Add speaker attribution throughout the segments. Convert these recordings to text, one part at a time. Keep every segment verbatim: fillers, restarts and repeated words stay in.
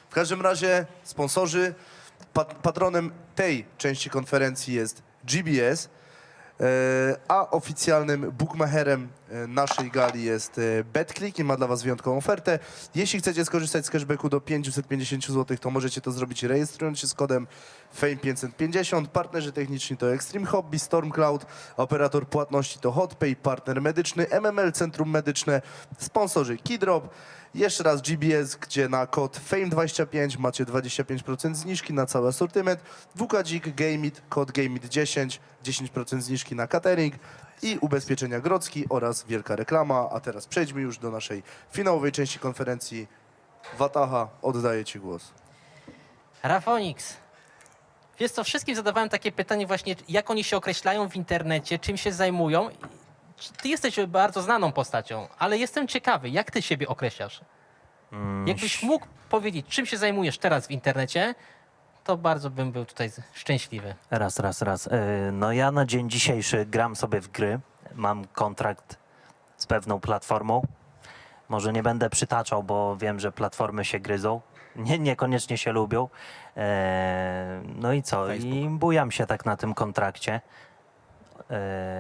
Speaker 1: W każdym razie sponsorzy, pat patronem tej części konferencji jest G B S, e, a oficjalnym bookmacherem e, naszej gali jest e, BetClick i ma dla was wyjątkową ofertę. Jeśli chcecie skorzystać z cashbacku do pięćset pięćdziesiąt złotych, to możecie to zrobić rejestrując się z kodem Fame pięćset pięćdziesiąt. Partnerzy techniczni to Extreme Hobby, Stormcloud, operator płatności to HotPay, partner medyczny M M L Centrum Medyczne, sponsorzy Keydrop. Jeszcze raz G B S, gdzie na kod Fame dwadzieścia pięć macie dwadzieścia pięć procent zniżki na cały asortyment. W K Dzik, Gameit, kod Gameit dziesięć, dziesięć procent zniżki na catering i ubezpieczenia Grodzki oraz wielka reklama. A teraz przejdźmy już do naszej finałowej części konferencji. Wataha, oddaję ci głos.
Speaker 2: Rafonix. Wiesz co, wszystkim zadawałem takie pytanie właśnie, jak oni się określają w internecie, czym się zajmują. Ty jesteś bardzo znaną postacią, ale jestem ciekawy, jak ty siebie określasz?
Speaker 3: Mm,
Speaker 2: Jakbyś mógł powiedzieć, czym się zajmujesz teraz w internecie, to bardzo bym był tutaj szczęśliwy.
Speaker 3: Raz, raz, raz. Yy, No ja na dzień dzisiejszy gram sobie w gry. Mam kontrakt z pewną platformą. Może nie będę przytaczał, bo wiem, że platformy się gryzą. Nie, niekoniecznie się lubią. Eee, no i co?
Speaker 2: Facebook.
Speaker 3: I bujam się tak na tym kontrakcie. Eee,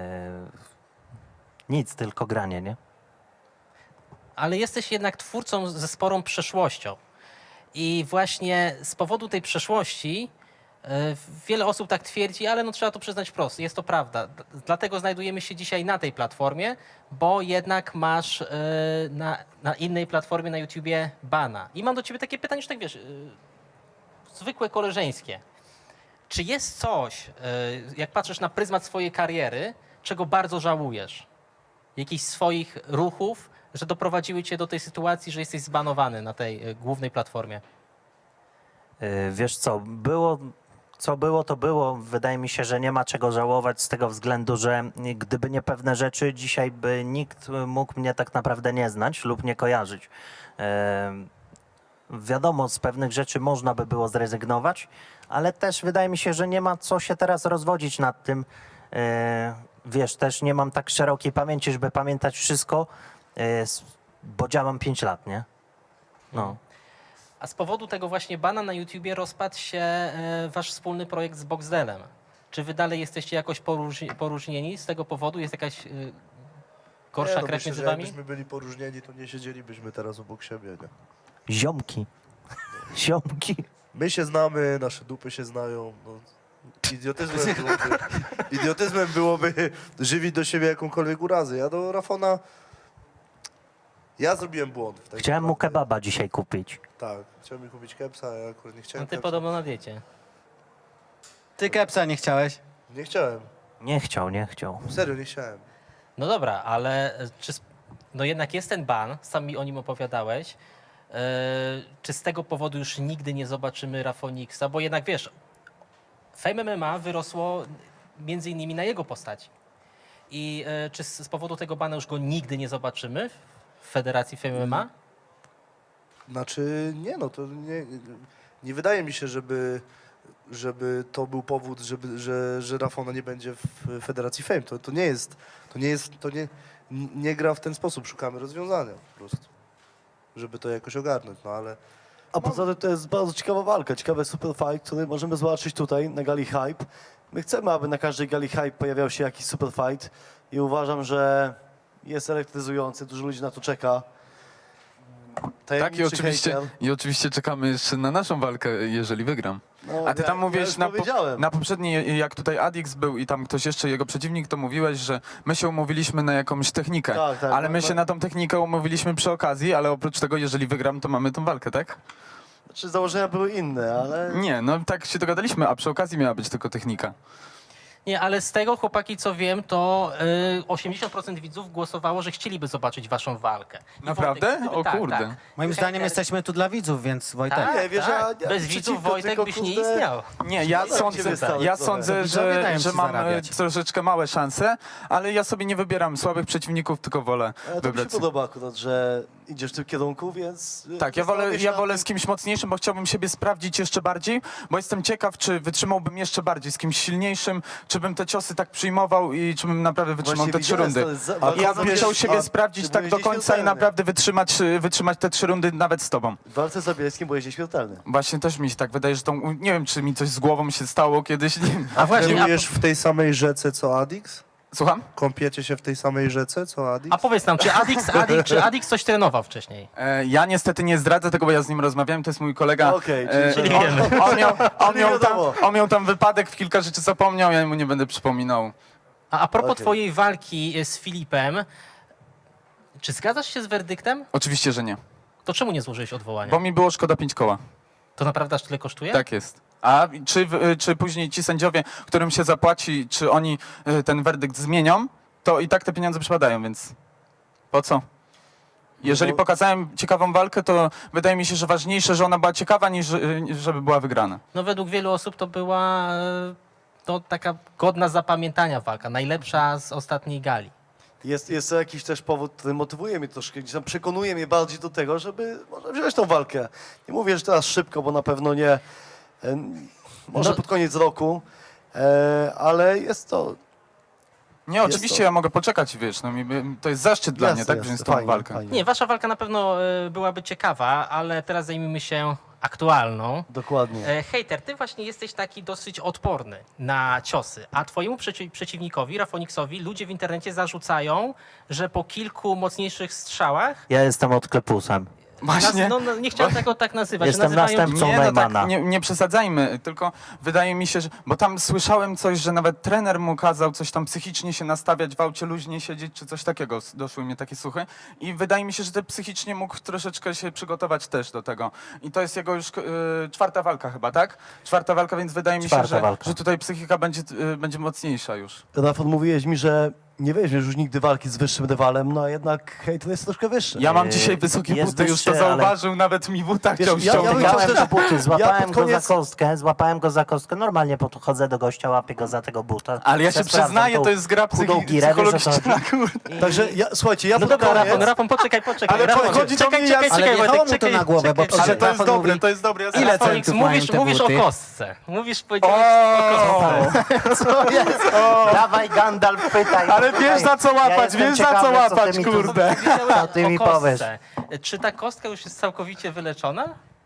Speaker 3: nic, tylko granie, nie?
Speaker 2: Ale jesteś jednak twórcą ze sporą przeszłością. I właśnie z powodu tej przeszłości e, wiele osób tak twierdzi, ale no trzeba to przyznać wprost, jest to prawda. D- Dlatego znajdujemy się dzisiaj na tej platformie, bo jednak masz e, na, na innej platformie na YouTubie bana. I mam do ciebie takie pytanie, już tak wiesz, e, zwykłe koleżeńskie. Czy jest coś, e, jak patrzysz na pryzmat swojej kariery, czego bardzo żałujesz? Jakichś swoich ruchów, że doprowadziły cię do tej sytuacji, że jesteś zbanowany na tej e, głównej platformie?
Speaker 3: Yy, Wiesz co, było, co było, to było. Wydaje mi się, że nie ma czego żałować z tego względu, że gdyby nie pewne rzeczy, dzisiaj by nikt mógł mnie tak naprawdę nie znać lub nie kojarzyć. Yy, Wiadomo, z pewnych rzeczy można by było zrezygnować, ale też wydaje mi się, że nie ma co się teraz rozwodzić nad tym. Yy, Wiesz, też nie mam tak szerokiej pamięci, żeby pamiętać wszystko, yy, s- bo działam pięć lat, nie? No.
Speaker 2: A z powodu tego właśnie bana na YouTubie rozpadł się e, wasz wspólny projekt z Boxdelem. Czy wy dalej jesteście jakoś poróżni- poróżnieni z tego powodu? Jest jakaś e, gorsza
Speaker 1: Nie, no
Speaker 2: krew
Speaker 1: myślę,
Speaker 2: między
Speaker 1: że
Speaker 2: wami?
Speaker 1: jakbyśmy byli poróżnieni, to nie siedzielibyśmy teraz obok siebie. Nie?
Speaker 3: Ziomki. Ziomki.
Speaker 1: My się znamy, nasze dupy się znają. No. Idiotyzmem, byłoby, idiotyzmem byłoby żywić do siebie jakąkolwiek urazę. Ja do Rafona... Ja zrobiłem błąd. w tej
Speaker 3: Chciałem mu
Speaker 1: sprawie.
Speaker 3: kebaba dzisiaj kupić.
Speaker 1: Tak, chciałem mi kupić kepsa, a ja akurat nie chciałem
Speaker 2: No ty
Speaker 1: kepsa.
Speaker 2: podobno na diecie.
Speaker 4: Ty kepsa nie chciałeś?
Speaker 1: Nie chciałem.
Speaker 3: Nie chciał, nie chciał.
Speaker 1: Serio, nie chciałem.
Speaker 2: No dobra, ale e, czy, sp- no jednak jest ten ban, sam mi o nim opowiadałeś. E, czy z tego powodu już nigdy nie zobaczymy Rafoniksa? Bo jednak wiesz, Fame M M A wyrosło między innymi na jego postaci. I e, czy z, z powodu tego bana już go nigdy nie zobaczymy w Federacji Fame M M A?
Speaker 1: Znaczy, nie no, to nie, nie wydaje mi się, żeby, żeby to był powód, żeby, że, że Rafona nie będzie w Federacji Fame. To, to nie jest, to nie jest, to nie, nie gra w ten sposób. Szukamy rozwiązania po prostu, żeby to jakoś ogarnąć, no ale...
Speaker 5: A poza tym to jest bardzo ciekawa walka, ciekawy super fight, który możemy zobaczyć tutaj na gali Hype. My chcemy, aby na każdej gali Hype pojawiał się jakiś super fight i uważam, że jest elektryzujący, dużo ludzi na to czeka.
Speaker 6: Tak, i
Speaker 5: Tajemniczy
Speaker 6: oczywiście,
Speaker 5: hejter.
Speaker 6: i oczywiście czekamy jeszcze na naszą walkę, jeżeli wygram.
Speaker 5: No,
Speaker 6: A ty
Speaker 5: ja-
Speaker 6: tam
Speaker 5: ja
Speaker 6: mówiłeś
Speaker 5: już
Speaker 6: na, po,
Speaker 5: powiedziałem.
Speaker 6: na poprzedniej, jak tutaj Adix był i tam ktoś jeszcze, jego przeciwnik, to mówiłeś, że my się umówiliśmy na jakąś technikę.
Speaker 5: Tak, tak,
Speaker 6: ale
Speaker 5: no,
Speaker 6: my
Speaker 5: no.
Speaker 6: się na tą technikę umówiliśmy przy okazji, ale oprócz tego, jeżeli wygram, to mamy tą walkę, tak?
Speaker 5: Znaczy założenia były inne, ale...
Speaker 6: Nie, no tak się dogadaliśmy, a przy okazji miała być tylko technika.
Speaker 2: Nie, ale z tego, chłopaki, co wiem, to y, osiemdziesiąt procent widzów głosowało, że chcieliby zobaczyć waszą walkę. I
Speaker 6: Naprawdę?
Speaker 2: Wojtek, gdyby-
Speaker 6: O
Speaker 2: tak,
Speaker 6: kurde.
Speaker 2: tak.
Speaker 4: Moim
Speaker 2: Hejter-
Speaker 4: zdaniem jesteśmy tu dla widzów, więc Wojtek.
Speaker 2: Tak,
Speaker 5: Nie, wiesz,
Speaker 2: tak.
Speaker 5: ja- ja
Speaker 2: Bez
Speaker 5: przeciwko,
Speaker 2: widzów Wojtek
Speaker 5: tylko,
Speaker 2: byś nie
Speaker 5: kurde,
Speaker 2: istniał.
Speaker 6: Nie, ja
Speaker 5: Szkoda
Speaker 6: sądzę,
Speaker 5: ciebie stałych
Speaker 6: ja
Speaker 5: trochę.
Speaker 6: sądzę,
Speaker 4: Widzowie
Speaker 6: że,
Speaker 4: dają
Speaker 6: że
Speaker 4: ci
Speaker 6: mam e,
Speaker 4: zarabiać.
Speaker 6: troszeczkę małe szanse, ale ja sobie nie wybieram słabych przeciwników, tylko wolę
Speaker 5: Ale to mi się
Speaker 6: wybrać.
Speaker 5: podoba akurat, że idziesz w tym kierunku, więc... y,
Speaker 6: Tak, ja wolę,
Speaker 5: zastanowię się
Speaker 6: ja
Speaker 5: nad
Speaker 6: wolę
Speaker 5: tym.
Speaker 6: z kimś mocniejszym, bo chciałbym siebie sprawdzić jeszcze bardziej, bo jestem ciekaw, czy wytrzymałbym jeszcze bardziej z kimś silniejszym, czy bym te ciosy tak przyjmował i czy bym naprawdę wytrzymał
Speaker 5: Właśnie
Speaker 6: te trzy
Speaker 5: widziałem,
Speaker 6: rundy.
Speaker 5: to jest za-
Speaker 1: A
Speaker 5: walka
Speaker 6: Ja
Speaker 5: z
Speaker 6: bym
Speaker 1: wiesz,
Speaker 6: chciał
Speaker 5: Zabielskim.
Speaker 6: siebie
Speaker 5: A
Speaker 6: sprawdzić
Speaker 5: ty
Speaker 6: tak
Speaker 5: byłeś
Speaker 6: do końca i
Speaker 5: nieśmiertelny.
Speaker 6: naprawdę wytrzymać, wytrzymać te trzy rundy nawet z tobą.
Speaker 5: W walce z Zabielskim byłeś nieśmiertelny.
Speaker 6: Właśnie też mi się tak wydaje, że tą, nie wiem, czy mi coś z głową się stało kiedyś, nie wiem.
Speaker 2: A właśnie, a,
Speaker 1: Trenujesz w tej samej rzece co Adix?
Speaker 6: Słucham?
Speaker 1: Kąpiecie się w tej samej rzece co Adix?
Speaker 2: a powiedz nam, czy Adix, Adix, czy Adix coś trenował wcześniej?
Speaker 6: E, ja niestety nie zdradzę tego, bo ja z nim rozmawiałem, to jest mój kolega.
Speaker 5: Okej,
Speaker 6: E,
Speaker 5: czyli-
Speaker 2: czyli
Speaker 6: on,
Speaker 2: wiemy.
Speaker 6: on, miał, on,
Speaker 5: Czyli
Speaker 6: miał tam,
Speaker 5: wiadomo.
Speaker 6: on miał tam wypadek, w kilka rzeczy zapomniał, ja mu nie będę przypominał.
Speaker 2: A, a propos
Speaker 5: Okej.
Speaker 2: twojej walki z Filipem, czy zgadzasz się z werdyktem?
Speaker 6: Oczywiście, że nie,
Speaker 2: To czemu nie złożyłeś odwołania?
Speaker 6: bo mi było szkoda pięć koła.
Speaker 2: To naprawdę aż tyle kosztuje?
Speaker 6: Tak jest. A czy, w- czy później ci sędziowie, którym się zapłaci, czy oni y, ten werdykt zmienią, to i tak te pieniądze przypadają, więc po co? Jeżeli
Speaker 5: No-
Speaker 6: pokazałem ciekawą walkę, to wydaje mi się, że ważniejsze, że ona była ciekawa, niż y, żeby była wygrana.
Speaker 2: No według wielu osób to była e, to taka godna zapamiętania walka, najlepsza z ostatniej gali.
Speaker 5: Jest, jest jakiś też powód, który motywuje mnie troszkę, gdzieś tam przekonuje mnie bardziej do tego, żeby może wziąć tą walkę. Nie mówię, że teraz szybko, bo na pewno nie, e, może
Speaker 2: No-
Speaker 5: pod koniec roku, e, ale jest to...
Speaker 6: Nie,
Speaker 5: Jest
Speaker 6: oczywiście
Speaker 5: to-
Speaker 6: ja mogę poczekać, wiesz, no, mi- to jest zaszczyt dla
Speaker 5: Jasne,
Speaker 6: mnie, tak,
Speaker 5: jasne,
Speaker 6: wziąć tą
Speaker 5: fajnie,
Speaker 6: walkę.
Speaker 5: fajnie.
Speaker 2: Nie, wasza walka na pewno e, byłaby ciekawa, ale teraz zajmijmy się aktualną.
Speaker 5: Dokładnie.
Speaker 2: E, Hejter, ty właśnie jesteś taki dosyć odporny na ciosy, a twojemu przeci przeciwnikowi, Rafoniksowi, ludzie w internecie zarzucają, że po kilku mocniejszych strzałach,
Speaker 3: Ja jestem odklepusem.
Speaker 6: Właśnie.
Speaker 2: Naz- no, no, nie chciałem tego tak nazywać,
Speaker 3: Jestem
Speaker 2: że nazywają
Speaker 3: następcą
Speaker 6: Nie, no tak,
Speaker 3: Neumana.
Speaker 6: nie, nie przesadzajmy, tylko wydaje mi się, że... Bo tam słyszałem coś, że nawet trener mu kazał coś tam psychicznie się nastawiać, w aucie luźnie siedzieć, czy coś takiego. S- Doszły mnie takie słuchy. I wydaje mi się, że te psychicznie mógł troszeczkę się przygotować też do tego. I to jest jego już y, czwarta walka chyba, tak? Czwarta walka, więc wydaje mi się,
Speaker 3: Czwarta
Speaker 6: że,
Speaker 3: walka.
Speaker 6: że tutaj psychika będzie, y, będzie mocniejsza już.
Speaker 5: Rafał, mówiłeś mi, że nie weźmiesz już nigdy walki z wyższym rywalem, no a jednak hejter jest troszkę wyższy.
Speaker 6: Ja mam
Speaker 3: Yy,
Speaker 6: dzisiaj wysokie
Speaker 3: jest
Speaker 6: buty, już to
Speaker 3: wyższy, ale-
Speaker 6: zauważył, nawet mi buta
Speaker 5: Wiesz,
Speaker 6: chciał
Speaker 5: ja- ja bym
Speaker 6: ściągnąć.
Speaker 5: chciał
Speaker 3: Złapałem
Speaker 5: też-
Speaker 3: go buty, złapałem
Speaker 5: pod
Speaker 3: go
Speaker 5: koniec-
Speaker 3: za kostkę, złapałem go za kostkę. Normalnie podchodzę do gościa, łapię go za tego buta.
Speaker 6: Ale ja się
Speaker 3: Sprawdzam
Speaker 6: przyznaję,
Speaker 3: tą
Speaker 6: to jest gra
Speaker 3: chudą
Speaker 6: psychi-
Speaker 3: girę, wiesz, o co
Speaker 6: psychologiczna,
Speaker 3: chodzi?
Speaker 6: kurde.
Speaker 3: I-
Speaker 5: Także ja, słuchajcie, ja
Speaker 2: No
Speaker 5: pod
Speaker 2: dobra,
Speaker 5: koniec...
Speaker 2: Rafon, Rafon, poczekaj, poczekaj.
Speaker 6: Ale
Speaker 2: Rafon,
Speaker 6: chodzi do
Speaker 2: czekaj,
Speaker 6: mnie,
Speaker 2: czekaj,
Speaker 6: ja-
Speaker 4: Ale
Speaker 2: czekaj,
Speaker 4: wjechało
Speaker 2: Wojtek,
Speaker 4: mu to
Speaker 2: czekaj,
Speaker 4: na głowę, bo
Speaker 2: czekaj,
Speaker 4: przecież
Speaker 6: Ale to
Speaker 2: czekaj.
Speaker 6: jest
Speaker 4: Rafał
Speaker 6: dobre,
Speaker 4: mówi-
Speaker 6: to jest dobre. Ja
Speaker 4: Ile
Speaker 6: zaraz-
Speaker 2: Felix,
Speaker 4: centów mają
Speaker 2: mówisz,
Speaker 4: te
Speaker 2: mówisz o
Speaker 4: buty?
Speaker 2: kostce. Mówisz, powiedziałeś
Speaker 6: O!
Speaker 2: o kostce.
Speaker 3: Co jest? Dawaj Gandalf, pytaj.
Speaker 6: Ale
Speaker 3: pytaj.
Speaker 6: wiesz, za co
Speaker 3: Ja
Speaker 6: łapać,
Speaker 3: jestem
Speaker 6: wiesz, za
Speaker 3: ciekawy,
Speaker 6: co łapać,
Speaker 3: ty mi tu-
Speaker 6: kurde.
Speaker 2: Powiedziałeś
Speaker 3: Co ty
Speaker 2: o
Speaker 3: mi
Speaker 2: kostce.
Speaker 3: powiesz?
Speaker 2: Czy ta kostka już jest całkowicie wyleczona?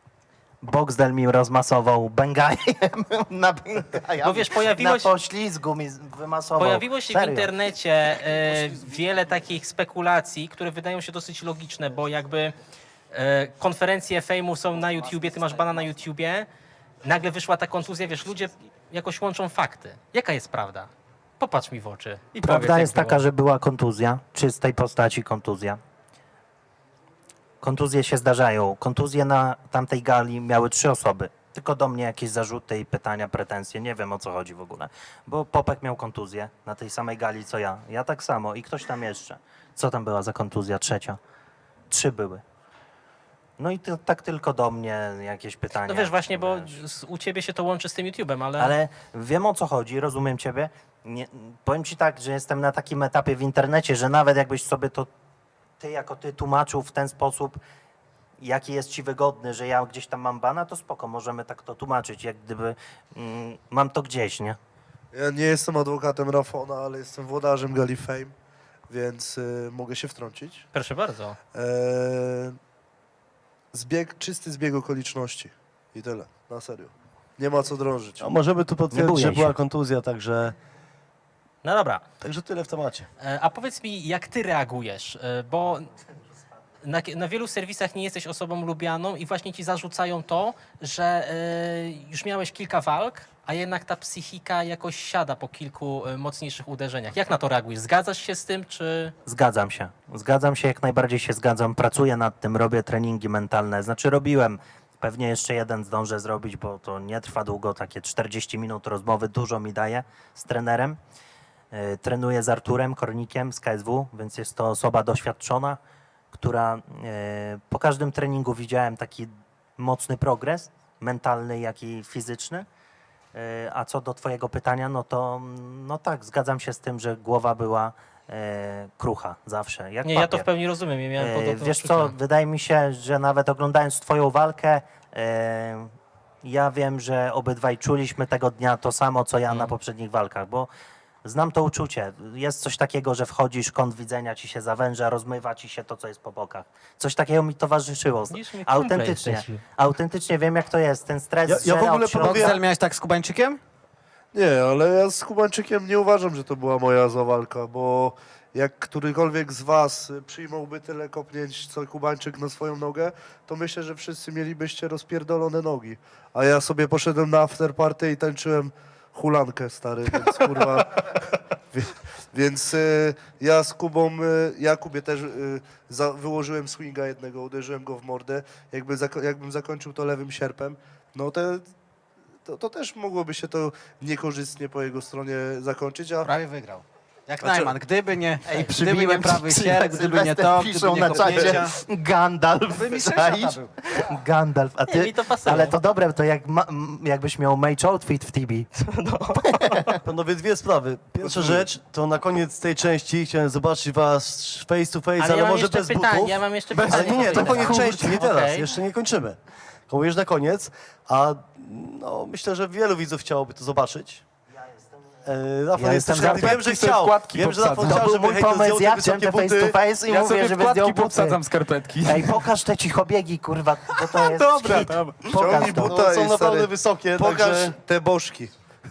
Speaker 3: Boxdel mi rozmasował bęgajem na bęgaja.
Speaker 2: Bo wiesz, pojawiło się-
Speaker 3: Na poślizgu mi z- wymasował.
Speaker 2: Pojawiło się w
Speaker 3: Serio.
Speaker 2: internecie e, wiele takich spekulacji, które wydają się dosyć logiczne, bo jakby e, konferencje fejmu są na YouTubie, ty masz bana na YouTubie, nagle wyszła ta kontuzja, wiesz, ludzie jakoś łączą fakty. Jaka jest prawda? Popatrz mi w oczy i powiedz,
Speaker 3: Prawda
Speaker 2: jak
Speaker 3: jest
Speaker 2: było.
Speaker 3: taka, że była kontuzja, czystej postaci kontuzja. Kontuzje się zdarzają. Kontuzje na tamtej gali miały trzy osoby. Tylko do mnie jakieś zarzuty i pytania, pretensje. Nie wiem, o co chodzi w ogóle. Bo Popek miał kontuzję na tej samej gali, co ja. Ja tak samo i ktoś tam jeszcze. Co tam była za kontuzja? Trzecia. Trzy były. No i to, tak tylko do mnie jakieś pytania.
Speaker 2: No wiesz, właśnie, bo
Speaker 3: Wiesz.
Speaker 2: z- u ciebie się to łączy z tym YouTubem, ale...
Speaker 3: Ale wiem, o co chodzi, rozumiem ciebie. Nie, powiem ci tak, że jestem na takim etapie w internecie, że nawet jakbyś sobie to ty jako ty tłumaczył w ten sposób, jaki jest ci wygodny, że ja gdzieś tam mam bana, to spoko, możemy tak to tłumaczyć, jak gdyby mm, mam to gdzieś, nie?
Speaker 1: Ja nie jestem adwokatem Rafona, ale jestem włodarzem Gali Fame, więc y, mogę się wtrącić.
Speaker 2: Proszę bardzo.
Speaker 1: Eee, zbieg, czysty zbieg okoliczności i tyle, na serio. Nie ma co drążyć.
Speaker 5: A możemy tu
Speaker 3: Nie
Speaker 5: potwierdzić,
Speaker 3: bój
Speaker 5: że
Speaker 3: się.
Speaker 5: była kontuzja, także,
Speaker 2: No dobra.
Speaker 5: także tyle w temacie.
Speaker 2: E, A powiedz mi, jak ty reagujesz, E, bo na, na wielu serwisach nie jesteś osobą lubianą i właśnie ci zarzucają to, że e, już miałeś kilka walk, a jednak ta psychika jakoś siada po kilku e, mocniejszych uderzeniach. Jak na to reagujesz? Zgadzasz się z tym, czy...
Speaker 3: Zgadzam się. Zgadzam się, jak najbardziej się zgadzam. Pracuję nad tym, robię treningi mentalne. Znaczy robiłem. Pewnie jeszcze jeden zdążę zrobić, bo to nie trwa długo, takie czterdzieści minut rozmowy, dużo mi daje z trenerem. Yy, Trenuję z Arturem Kornikiem z K S W, więc jest to osoba doświadczona, która yy, po każdym treningu widziałem taki mocny progres, mentalny, jak i fizyczny. Yy, A co do twojego pytania, no to no tak, zgadzam się z tym, że głowa była e, krucha, zawsze. Jak
Speaker 2: Nie, ja to w
Speaker 3: papier.
Speaker 2: pełni rozumiem. Ja miałem
Speaker 3: E,
Speaker 2: podobne
Speaker 3: Wiesz
Speaker 2: odczucia.
Speaker 3: co, wydaje mi się, że nawet oglądając twoją walkę, e, ja wiem, że obydwaj czuliśmy tego dnia to samo, co ja
Speaker 2: Mm.
Speaker 3: na poprzednich walkach, bo znam to uczucie. Jest coś takiego, że wchodzisz, kąt widzenia ci się zawęża, rozmywa ci się to, co jest po bokach. Coś takiego mi towarzyszyło.
Speaker 2: Widzisz, my kumple
Speaker 3: Autentycznie.
Speaker 2: jesteśmy.
Speaker 3: Autentycznie wiem, jak to jest. Ten stres
Speaker 5: Ja- ja w
Speaker 3: zżera
Speaker 5: ogóle
Speaker 3: od środka.
Speaker 5: panowie-
Speaker 4: Boxel miałeś tak z Kubańczykiem?
Speaker 1: Nie, ale ja z Kubańczykiem nie uważam, że to była moja zła walka, bo jak którykolwiek z was przyjmąłby tyle kopnięć, co Kubańczyk na swoją nogę, to myślę, że wszyscy mielibyście rozpierdolone nogi. A ja sobie poszedłem na afterparty i tańczyłem hulankę, stary, więc kurwa... Wie- Więc y, ja z Kubą, y, ja Kubie też y, za, wyłożyłem swinga jednego, uderzyłem go w mordę. Jakby zako- jakbym zakończył to lewym sierpem, no te, to, to też mogłoby się to niekorzystnie po jego stronie zakończyć, a
Speaker 4: Prawie wygrał. Jak
Speaker 1: Znaczy-
Speaker 4: Najman, gdyby nie,
Speaker 3: Ej,
Speaker 4: gdyby nie
Speaker 3: przybiłem
Speaker 4: prawy
Speaker 3: ci-
Speaker 4: sierp, gdyby nie
Speaker 3: Sylwester
Speaker 4: to,
Speaker 3: piszą
Speaker 4: gdyby nie
Speaker 3: na
Speaker 4: kopnięcia.
Speaker 3: czacie Gandalf.
Speaker 4: By mistrzem świata
Speaker 3: czaisz?
Speaker 4: był.
Speaker 3: Gandalf, a
Speaker 2: Nie,
Speaker 3: ty,
Speaker 2: mi to pasuje.
Speaker 3: ale to dobre, to jak ma, m, jakbyś miał mage outfit w Tibi.
Speaker 5: Panowie, dwie sprawy. Pierwsza rzecz, to na koniec tej części chciałem zobaczyć was face to face, ale,
Speaker 2: Ale ja mam
Speaker 5: może
Speaker 2: jeszcze
Speaker 5: bez
Speaker 2: pytanie,
Speaker 5: butów.
Speaker 2: ja mam jeszcze
Speaker 5: Ale
Speaker 2: pytanie.
Speaker 5: nie, nie, to
Speaker 2: Kurde.
Speaker 5: koniec części, nie teraz,
Speaker 2: Okej.
Speaker 5: jeszcze nie kończymy. Kołujesz na koniec, a no, myślę, że wielu widzów chciałoby to zobaczyć. E, Rafał
Speaker 3: Ja
Speaker 5: jest
Speaker 3: jestem
Speaker 5: też
Speaker 3: za-
Speaker 5: wiem, że
Speaker 6: Wkładki sobie
Speaker 5: chciał.
Speaker 6: wkładki
Speaker 5: Wiem, że Rafał
Speaker 6: powsadzam.
Speaker 5: chciał,
Speaker 3: To był
Speaker 5: żeby
Speaker 3: mój
Speaker 5: hejter
Speaker 3: pomysł,
Speaker 5: zdjął te
Speaker 3: ja chciałem
Speaker 5: wysokie
Speaker 3: te face
Speaker 5: buty.
Speaker 3: to face i
Speaker 6: Ja
Speaker 3: mówię,
Speaker 6: sobie
Speaker 3: żeby zdjął
Speaker 6: wkładki
Speaker 3: buty.
Speaker 6: powsadzam skarpetki.
Speaker 3: Ej, pokaż te cichobiegi, kurwa, bo to jest
Speaker 6: Dobra,
Speaker 3: hit.
Speaker 6: dobra.
Speaker 3: Pokaż
Speaker 1: Ściągnij
Speaker 3: to.
Speaker 1: buta.
Speaker 5: No, są
Speaker 1: Tutaj,
Speaker 5: naprawdę
Speaker 1: stary,
Speaker 5: wysokie,
Speaker 1: pokaż
Speaker 5: także...
Speaker 1: te bożki.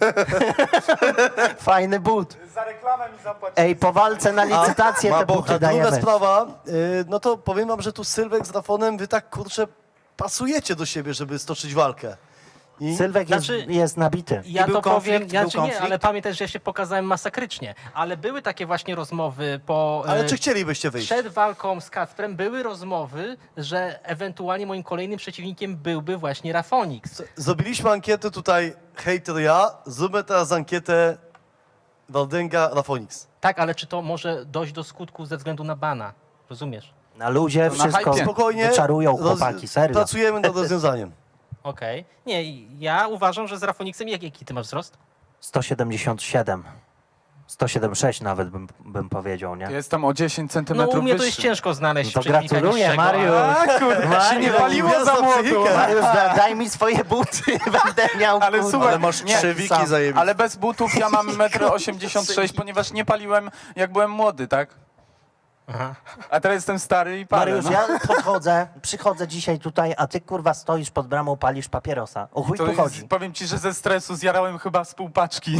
Speaker 3: Fajny but.
Speaker 6: Za reklamę mi zapłacić.
Speaker 3: Ej, po walce na licytację
Speaker 1: ma
Speaker 3: te
Speaker 1: boka.
Speaker 3: buty
Speaker 5: A druga
Speaker 3: dajemy.
Speaker 5: sprawa, y, no to powiem wam, że tu Sylwek z Rafonem, wy tak kurczę pasujecie do siebie, żeby stoczyć walkę. I
Speaker 3: Sylwek jest,
Speaker 2: Znaczy-
Speaker 3: jest nabity.
Speaker 2: Ja
Speaker 4: I był
Speaker 2: to powiem,
Speaker 4: konflikt,
Speaker 2: ja,
Speaker 4: był
Speaker 2: czy nie,
Speaker 4: konflikt?
Speaker 2: ale pamiętaj, że ja się pokazałem masakrycznie. Ale były takie właśnie rozmowy po...
Speaker 5: Ale
Speaker 2: e,
Speaker 5: czy chcielibyście wyjść?
Speaker 2: Przed walką z Kacprem były rozmowy, że ewentualnie moim kolejnym przeciwnikiem byłby właśnie Rafonix.
Speaker 5: Zrobiliśmy ankietę tutaj, hejter ja, zróbmy teraz ankietę Waldęga Rafonix.
Speaker 2: Tak, ale czy to może dojść do skutku ze względu na bana? Rozumiesz?
Speaker 3: Na luzie
Speaker 6: To na
Speaker 3: wszystko
Speaker 6: hypie.
Speaker 5: Spokojnie,
Speaker 3: wyczarują
Speaker 5: roz-
Speaker 3: chłopaki, serio.
Speaker 5: pracujemy nad rozwiązaniem.
Speaker 2: Okej. Nie, ja uważam, że z Rafonixem, jak, jaki ty masz wzrost?
Speaker 3: sto siedemdziesiąt siedem. sto siedemdziesiąt sześć nawet bym, bym powiedział, nie?
Speaker 6: Jestem o dziesięć
Speaker 2: No
Speaker 6: centymetrów
Speaker 2: u mnie to jest
Speaker 6: wyższy.
Speaker 2: ciężko znaleźć
Speaker 3: No to
Speaker 2: przeciwnika
Speaker 3: gratuluję,
Speaker 2: niższego,
Speaker 3: Mariusz.
Speaker 2: ale-
Speaker 6: A kurde, się nie
Speaker 3: Mario,
Speaker 6: paliło
Speaker 5: gwiazda
Speaker 6: za młodu.
Speaker 5: psychika.
Speaker 3: Mariusz, da, daj mi swoje buty, będę miał,
Speaker 6: Ale
Speaker 3: kurwa.
Speaker 6: słuchaj,
Speaker 1: Ale masz
Speaker 6: nie,
Speaker 1: trzewiki
Speaker 3: sam.
Speaker 1: zajebiste.
Speaker 6: Ale bez butów ja mam metr osiemdziesiąt sześć, ponieważ nie paliłem jak byłem młody, tak?
Speaker 2: Aha.
Speaker 6: A teraz jestem stary i palę.
Speaker 3: Mariusz,
Speaker 6: no.
Speaker 3: ja podchodzę, przychodzę dzisiaj tutaj, a ty kurwa stoisz pod bramą, palisz papierosa. O chuj
Speaker 6: To
Speaker 3: tu
Speaker 6: jest,
Speaker 3: chodzi.
Speaker 6: powiem ci, że ze stresu zjarałem chyba z pół paczki.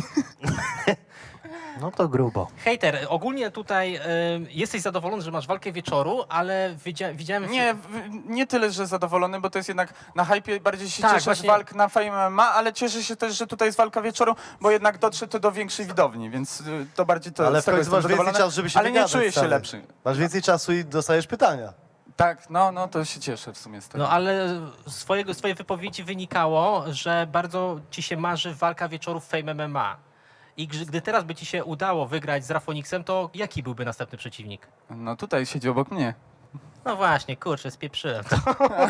Speaker 3: No to grubo.
Speaker 2: Hejter, ogólnie tutaj y, jesteś zadowolony, że masz walkę wieczoru, ale widzia, widziałem...
Speaker 6: Nie, w- nie tyle, że zadowolony, bo to jest jednak na hypie bardziej się
Speaker 2: Tak,
Speaker 6: cieszę
Speaker 2: właśnie.
Speaker 6: z walk na Fame M M A, ale cieszę się też, że tutaj jest walka wieczoru, bo jednak dotrze to do większej widowni, więc y, to bardziej to
Speaker 5: Ale
Speaker 6: z
Speaker 5: w
Speaker 6: tego
Speaker 5: końcu
Speaker 6: jestem
Speaker 5: masz więcej
Speaker 6: zadowolony,
Speaker 5: czasu, żeby się
Speaker 6: ale nie
Speaker 5: wygadać,
Speaker 6: czuję się
Speaker 5: stary.
Speaker 6: lepszy.
Speaker 5: Masz więcej czasu i dostajesz pytania.
Speaker 6: Tak, no, no to się cieszę w sumie z tego.
Speaker 2: No ale z swojego, swojej wypowiedzi wynikało, że bardzo ci się marzy walka wieczoru w Fame M M A. I gdy gdy teraz by ci się udało wygrać z Rafonixem, to jaki byłby następny przeciwnik?
Speaker 6: No tutaj siedzi obok mnie.
Speaker 2: No właśnie, kurczę, spieprzyłem to.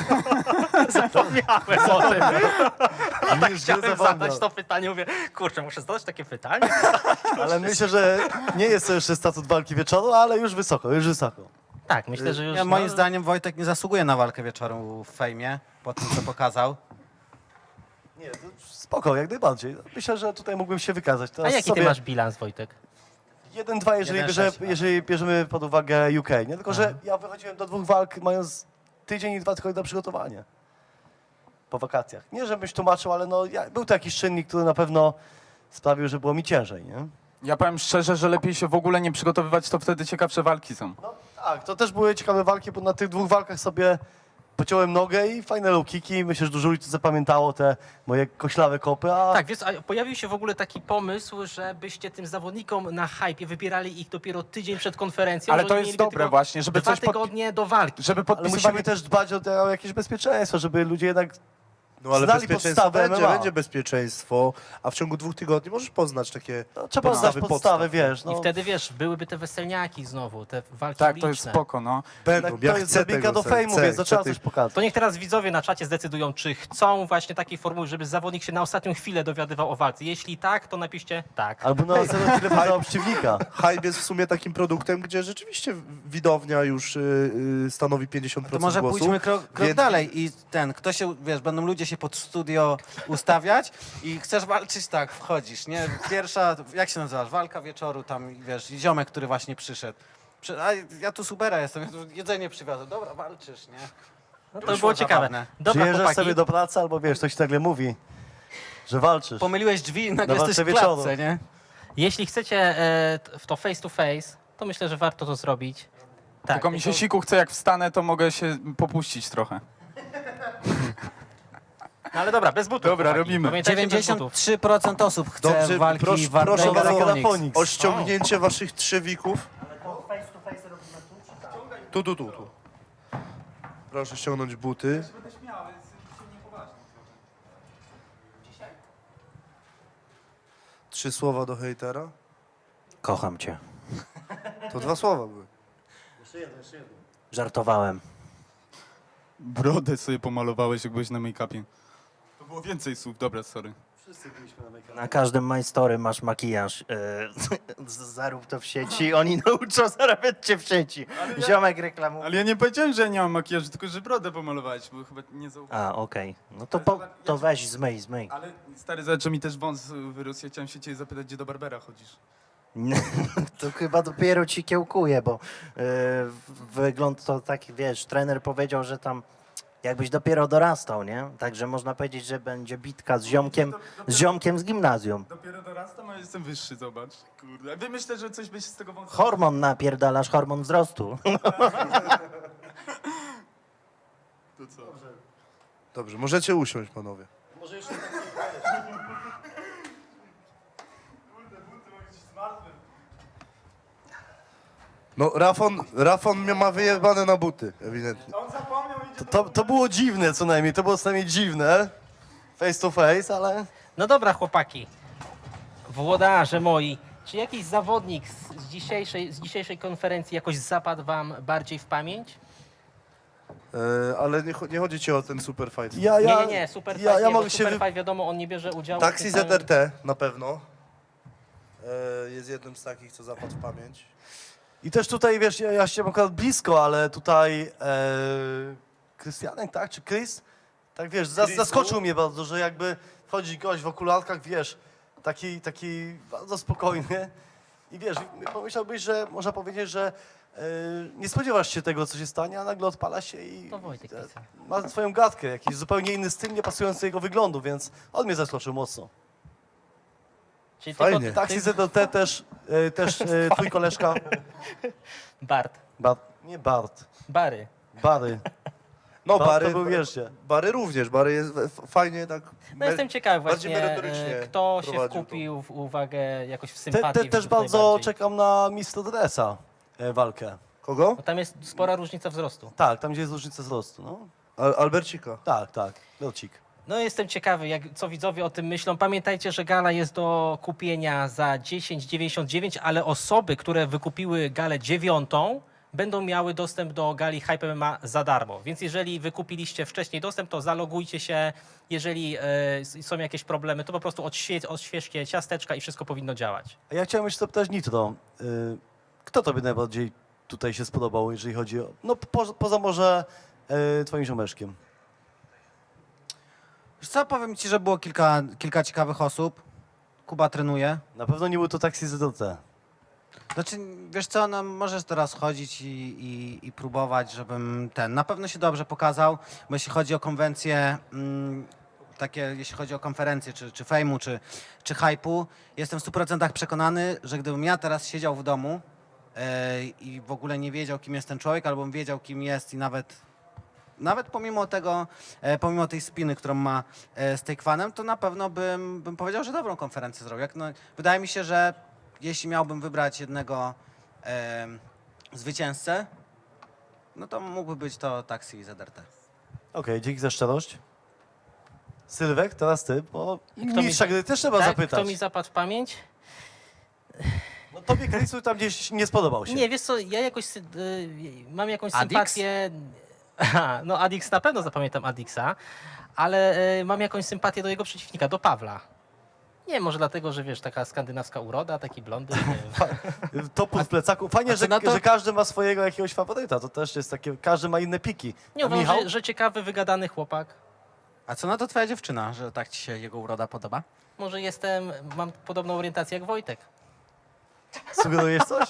Speaker 2: Zapomniałem o tym. A tak
Speaker 5: Już
Speaker 2: chciałem
Speaker 5: nie zapomniał.
Speaker 2: zadać to pytanie, mówię, kurczę, muszę zadać takie pytanie?
Speaker 5: Ale myślę, że nie jest to jeszcze statut walki wieczoru, ale już wysoko, już wysoko.
Speaker 2: Tak, myślę, że już...
Speaker 4: Ja, moim
Speaker 2: no,
Speaker 4: zdaniem Wojtek nie zasługuje na walkę wieczoru w fejmie, po tym co pokazał.
Speaker 5: Nie, to spoko, jak najbardziej. Myślę, że tutaj mógłbym się wykazać.
Speaker 2: A
Speaker 5: Teraz
Speaker 2: jaki
Speaker 5: sobie
Speaker 2: ty masz bilans, Wojtek?
Speaker 5: jeden dwa, jeżeli,
Speaker 4: jeden
Speaker 5: bierze,
Speaker 4: sześć, a.
Speaker 5: jeżeli bierzemy pod uwagę U K. Nie tylko, że ja wychodziłem do dwóch walk mając tydzień i dwa tygodnie na przygotowanie. Po wakacjach. Nie, żebyś tłumaczył, ale no, ja, był to jakiś czynnik, który na pewno sprawił, że było mi ciężej, nie?
Speaker 6: Ja powiem szczerze, że lepiej się w ogóle nie przygotowywać, to wtedy ciekawsze walki są.
Speaker 5: No tak, to też były ciekawe walki, bo na tych dwóch walkach sobie pociąłem nogę i fajne low kicki. Myślę, że dużo ludzi zapamiętało te moje koślawe kopy, a
Speaker 2: Tak, wiesz, a pojawił się w ogóle taki pomysł, żebyście tym zawodnikom na hypie wybierali ich dopiero tydzień przed konferencją.
Speaker 6: Ale
Speaker 2: że
Speaker 6: to
Speaker 2: oni
Speaker 6: jest
Speaker 2: mieliby
Speaker 6: dobre
Speaker 2: tylko
Speaker 6: właśnie, żeby
Speaker 2: dwa
Speaker 6: coś pod...
Speaker 2: tygodnie do walki.
Speaker 6: żeby
Speaker 5: ale
Speaker 6: podpisywali...
Speaker 5: musimy też dbać o, te, o jakieś bezpieczeństwo, żeby ludzie jednak
Speaker 1: No ale
Speaker 5: znali
Speaker 1: bezpieczeństwo
Speaker 5: podstawy
Speaker 1: będzie,
Speaker 5: M M A.
Speaker 1: będzie bezpieczeństwo, a w ciągu dwóch tygodni możesz poznać takie
Speaker 5: No, trzeba
Speaker 1: podstawy
Speaker 5: znać podstawy,
Speaker 1: podstaw.
Speaker 5: wiesz. No,
Speaker 2: I wtedy, wiesz, byłyby te weselniaki znowu, te walki
Speaker 6: Tak, to jest
Speaker 2: uliczne.
Speaker 6: spoko, no.
Speaker 1: Będą,
Speaker 5: tak,
Speaker 1: ja
Speaker 5: to jest
Speaker 1: chcę
Speaker 5: drabinka
Speaker 1: tego,
Speaker 5: do fejmu,
Speaker 1: chcę,
Speaker 5: więc to
Speaker 1: chcę
Speaker 5: trzeba
Speaker 1: tych-
Speaker 5: coś pokazać.
Speaker 2: To niech teraz widzowie na czacie zdecydują, czy chcą właśnie takiej formuły, żeby zawodnik się na ostatnią chwilę dowiadywał o walce. Jeśli tak, to napiszcie tak.
Speaker 5: Albo na następną chwilę poznał przeciwnika.
Speaker 1: Hype jest w sumie takim produktem, gdzie rzeczywiście widownia już y, y, stanowi pięćdziesiąt
Speaker 4: To
Speaker 1: procent
Speaker 4: może
Speaker 1: głosu.
Speaker 4: pójdźmy krok, krok
Speaker 1: więc-
Speaker 4: dalej i ten, kto się, wiesz, będą ludzie się pod studio ustawiać i chcesz walczyć, tak, wchodzisz, nie? Pierwsza, jak się nazywasz, walka wieczoru, tam, wiesz, i ziomek, który właśnie przyszedł. Przy, a ja tu supera jestem, ja tu jedzenie przywiozę, dobra, walczysz, nie?
Speaker 2: No to
Speaker 4: Wyszło
Speaker 2: by było ciekawe.
Speaker 4: zabawne.
Speaker 2: Dobra,
Speaker 5: Przyjeżdżasz
Speaker 2: chłopaki.
Speaker 5: sobie do pracy, albo wiesz, ktoś ci nagle mówi, że walczysz.
Speaker 4: Pomyliłeś drzwi i nagle
Speaker 5: Na
Speaker 4: jesteś w
Speaker 5: walce wieczoru.
Speaker 4: klatce, nie?
Speaker 2: Jeśli chcecie e, t- w to face to face, to myślę, że warto to zrobić. Tak,
Speaker 6: Tylko mi się
Speaker 2: tylko-
Speaker 6: siku chce, jak wstanę, to mogę się popuścić trochę.
Speaker 2: No ale dobra, bez butów.
Speaker 6: Dobra,
Speaker 2: chłopaki.
Speaker 6: robimy.
Speaker 2: Pamiętajcie, bez butów.
Speaker 4: dziewięćdziesiąt trzy procent osób chce
Speaker 1: Dobrze,
Speaker 4: walki
Speaker 1: proszę-
Speaker 4: Wardęga
Speaker 1: proszę bardzo,
Speaker 4: Telefonix.
Speaker 1: O ściągnięcie waszych trzewików. Tu, tu, tu, tu. Proszę ściągnąć buty. Trzy słowa do hejtera.
Speaker 3: Kocham cię.
Speaker 1: To dwa słowa były.
Speaker 3: Żartowałem.
Speaker 6: Brodę sobie pomalowałeś, jak byłeś na make-upie. To było więcej słów, dobra, sorry.
Speaker 3: Na każdym My Story masz makijaż. E, z- zarób to w sieci, oni nauczą zarabiać cię w sieci. Ziomek reklamuje.
Speaker 6: Ale ja nie powiedziałem, że ja nie mam makijażu, tylko że brodę pomalowałeś, bo chyba nie zauważyłem.
Speaker 3: A, okej. No to, po, to weź, zmyj, zmyj.
Speaker 6: Ale stary, zobacz, że mi też wąs wyrósł. Ja chciałem się ciebie zapytać, gdzie do Barbera chodzisz.
Speaker 3: To chyba dopiero ci kiełkuje, bo e, wygląd to tak, wiesz, trener powiedział, że tam jakbyś dopiero dorastał, nie? Także można powiedzieć, że będzie bitka z ziomkiem, z ziomkiem z gimnazjum.
Speaker 6: Dopiero dorastam, a jestem wyższy, zobacz. Kurde. Wy myślę, że coś by się z tego wąsa...
Speaker 3: Hormon napierdalasz, hormon wzrostu.
Speaker 6: To co?
Speaker 1: Dobrze, możecie usiąść, panowie. No, Rafon, Rafon mnie ma wyjebane na buty, ewidentnie.
Speaker 5: To, to, to było dziwne co najmniej, to było co najmniej dziwne. Face to face, ale...
Speaker 2: No dobra, chłopaki. Włodarze moi, czy jakiś zawodnik z, z, dzisiejszej, z dzisiejszej konferencji jakoś zapadł wam bardziej w pamięć?
Speaker 1: E, ale nie, cho- nie chodzi ci o ten super fight.
Speaker 5: Ja, ja,
Speaker 2: nie, nie, nie, super
Speaker 5: ja,
Speaker 2: fight,
Speaker 5: ja
Speaker 2: nie,
Speaker 5: mogę
Speaker 2: bo
Speaker 5: się...
Speaker 2: super
Speaker 5: wy-
Speaker 2: fight, wiadomo, on nie bierze udziału. w
Speaker 1: Taxi
Speaker 2: tym
Speaker 1: Z
Speaker 2: samym-
Speaker 1: R T na pewno. E, jest jednym z takich, co zapadł w pamięć.
Speaker 5: I też tutaj, wiesz, ja, ja się akurat blisko, ale tutaj e, Krystianek, tak, czy Chris? Tak, wiesz, zas,
Speaker 1: Chrisu?
Speaker 5: zaskoczył mnie bardzo, że jakby wchodzi gość w okularkach, wiesz, taki, taki bardzo spokojny i wiesz, pomyślałbyś, że można powiedzieć, że e, nie spodziewasz się tego, co się stanie, a nagle odpala się i
Speaker 2: To Wojtek
Speaker 5: e,
Speaker 2: pisał.
Speaker 5: ma swoją gadkę, jakiś zupełnie inny styl, nie pasujący do jego wyglądu, więc on mnie zaskoczył mocno.
Speaker 2: Czyli
Speaker 1: Fajnie.
Speaker 2: tylko
Speaker 5: Taxi
Speaker 2: ty,
Speaker 5: Z D T też, e, też e, twój koleżka,
Speaker 2: Bart,
Speaker 5: Bart, nie Bart,
Speaker 2: Bary.
Speaker 5: Bary.
Speaker 1: No,
Speaker 5: Bart
Speaker 1: Bary,
Speaker 5: to był, wieszcie.
Speaker 1: Bary również. Bary jest f- fajnie tak...
Speaker 2: No jestem ciekawy
Speaker 1: bardziej
Speaker 2: właśnie,
Speaker 1: merytorycznie
Speaker 2: e, kto się
Speaker 1: prowadził to.
Speaker 2: wkupił w uwagę jakoś w
Speaker 5: Te,
Speaker 2: sympatię.
Speaker 5: te, też
Speaker 2: widzów
Speaker 5: bardzo
Speaker 2: najbardziej.
Speaker 5: czekam na mistrza Dresa e, walkę.
Speaker 1: Kogo?
Speaker 2: Bo tam jest spora różnica wzrostu.
Speaker 5: Tak, tam gdzie jest różnica wzrostu, no.
Speaker 1: Al Albercika.
Speaker 5: Tak, tak, Locik.
Speaker 2: No jestem ciekawy, jak, co widzowie o tym myślą. Pamiętajcie, że gala jest do kupienia za dziesięć dziewięćdziesiąt dziewięć, ale osoby, które wykupiły galę dziewiątą, będą miały dostęp do gali Hype M M A za darmo. Więc jeżeli wykupiliście wcześniej dostęp, to zalogujcie się. Jeżeli e, s- są jakieś problemy, to po prostu odświe odświeżcie ciasteczka i wszystko powinno działać.
Speaker 5: A ja chciałem jeszcze zapytać Nitro, y, kto tobie najbardziej tutaj się spodobał, jeżeli chodzi o... No po, poza może y, twoim ziomeczkiem.
Speaker 4: Wiesz co, powiem ci, że było kilka, kilka ciekawych osób. Kuba trenuje.
Speaker 5: Na pewno nie był to Taxi Z D T.
Speaker 4: Znaczy, wiesz co, no, możesz teraz chodzić i, i, i próbować, żebym ten, na pewno się dobrze pokazał, bo jeśli chodzi o konwencje, mm, takie, jeśli chodzi o konferencje, czy, czy fejmu, czy, czy hype'u, jestem w stu procentach przekonany, że gdybym ja teraz siedział w domu e, i w ogóle nie wiedział, kim jest ten człowiek, albo bym wiedział, kim jest i nawet Nawet pomimo tego, e, pomimo tej spiny, którą ma e, z Takefanem, to na pewno bym, bym powiedział, że dobrą konferencję zrobił. Jak, no, wydaje mi się, że jeśli miałbym wybrać jednego e, zwycięzcę, no to mógłby być to Taxi Z R T.
Speaker 5: Okej, dzięki za szczerość. Sylwek, teraz ty, bo
Speaker 2: Kto mi
Speaker 5: mistrza
Speaker 2: za-
Speaker 5: gry też trzeba
Speaker 2: Tak?
Speaker 5: zapytać.
Speaker 2: Kto mi zapadł w pamięć?
Speaker 5: No tobie Chrisu tam gdzieś nie spodobał się.
Speaker 2: Nie, wiesz co, ja jakoś sy- y, mam jakąś
Speaker 4: Adix?
Speaker 2: sympatię. Aha, no Adix na pewno zapamiętam Adixa, ale y, mam jakąś sympatię do jego przeciwnika, do Pawla. Nie, może dlatego, że wiesz, taka skandynawska uroda, taki blondyn. Nie wiem.
Speaker 5: Topór w plecaku. Fajnie,
Speaker 4: a co
Speaker 5: że,
Speaker 4: na to?
Speaker 5: że każdy ma swojego jakiegoś faworyta. To też jest takie, każdy ma inne piki.
Speaker 2: Nie
Speaker 5: A
Speaker 2: uważam,
Speaker 5: Michał?
Speaker 2: że, że ciekawy, wygadany chłopak.
Speaker 4: A co na to twoja dziewczyna, że tak ci się jego uroda podoba?
Speaker 2: Może jestem, mam podobną orientację jak Wojtek.
Speaker 5: Sugerujesz coś?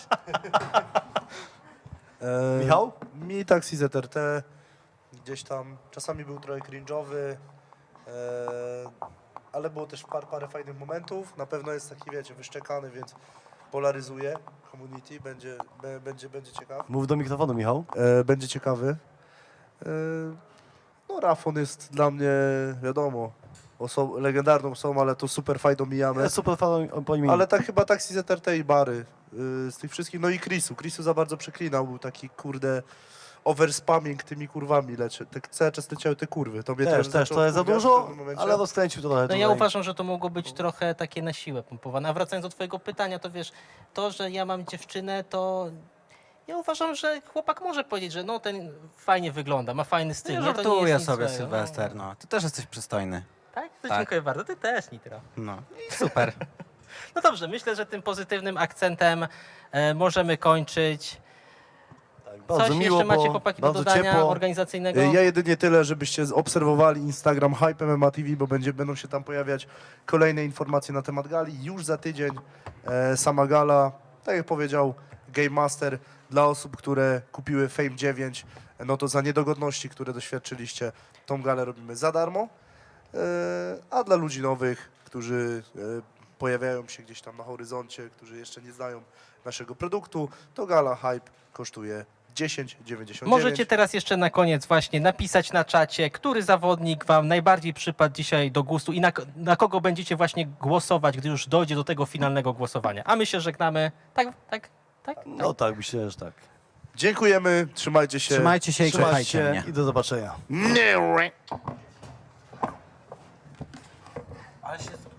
Speaker 1: E,
Speaker 5: Michał?
Speaker 1: Mi Taxi Z R T gdzieś tam czasami był trochę cringe'owy, e, ale było też par, parę fajnych momentów. Na pewno jest taki, wiecie, wyszczekany, więc polaryzuje community, będzie, be, będzie, będzie ciekaw.
Speaker 5: Mów do mikrofonu, Michał.
Speaker 1: E, będzie ciekawy. E, no Rafon jest dla mnie, wiadomo, oso- legendarną osobą, ale to super fajną mijamy.
Speaker 5: Ja super fan po nim.
Speaker 1: Ale tak chyba Taxi Z R T i Bary y, z tych wszystkich. No i Chrisu. Chrisu za bardzo przeklinał. Był taki, kurde, overspamming tymi kurwami. Lecz, tak cały czas leciały te kurwy. To mnie
Speaker 5: Też, też,
Speaker 1: zaczęło
Speaker 5: to jest za
Speaker 1: wkurwiać w
Speaker 5: dużo,
Speaker 1: pewnym momencie.
Speaker 5: ale rozkręcił to trochę
Speaker 2: No
Speaker 5: tutaj.
Speaker 2: ja uważam, że to mogło być trochę takie na siłę pompowane. A wracając do twojego pytania, to wiesz, to, że ja mam dziewczynę, to ja uważam, że chłopak może powiedzieć, że no ten fajnie wygląda, ma fajny styl.
Speaker 4: Ja
Speaker 2: nie? To nie
Speaker 4: żartuję
Speaker 2: jest nic
Speaker 4: sobie,
Speaker 2: złego.
Speaker 4: Sylwester, no. Ty też jesteś przystojny.
Speaker 2: Tak? To
Speaker 4: Tak.
Speaker 2: dziękuję bardzo. Ty też, Nitro.
Speaker 4: No i super.
Speaker 2: No dobrze, myślę, że tym pozytywnym akcentem e, możemy kończyć.
Speaker 5: Tak,
Speaker 2: Coś
Speaker 5: bardzo miło,
Speaker 2: jeszcze macie
Speaker 5: bo
Speaker 2: chłopaki do
Speaker 5: bardzo
Speaker 2: dodania
Speaker 5: ciepło.
Speaker 2: organizacyjnego?
Speaker 1: Y, Ja jedynie tyle, żebyście obserwowali Instagram Hype M M A T V, bo będzie, będą się tam pojawiać kolejne informacje na temat gali. Już za tydzień e, sama gala, tak jak powiedział Game Master, dla osób, które kupiły Fame dziewięć, no to za niedogodności, które doświadczyliście, tą galę robimy za darmo. E, a dla ludzi nowych, którzy e, pojawiają się gdzieś tam na horyzoncie, którzy jeszcze nie znają naszego produktu, to gala Hype kosztuje dziesięć dziewięćdziesiąt dziewięć.
Speaker 2: Możecie teraz jeszcze na koniec właśnie napisać na czacie, który zawodnik wam najbardziej przypadł dzisiaj do gustu i na, na kogo będziecie właśnie głosować, gdy już dojdzie do tego finalnego głosowania. A my się żegnamy. Tak, tak, tak?
Speaker 5: No tak, myślę, że tak.
Speaker 1: Dziękujemy, trzymajcie się.
Speaker 4: Trzymajcie się i
Speaker 5: Trzymajcie
Speaker 4: kochajcie
Speaker 5: się
Speaker 4: mnie.
Speaker 5: i do zobaczenia.
Speaker 1: Nie.
Speaker 4: Ale się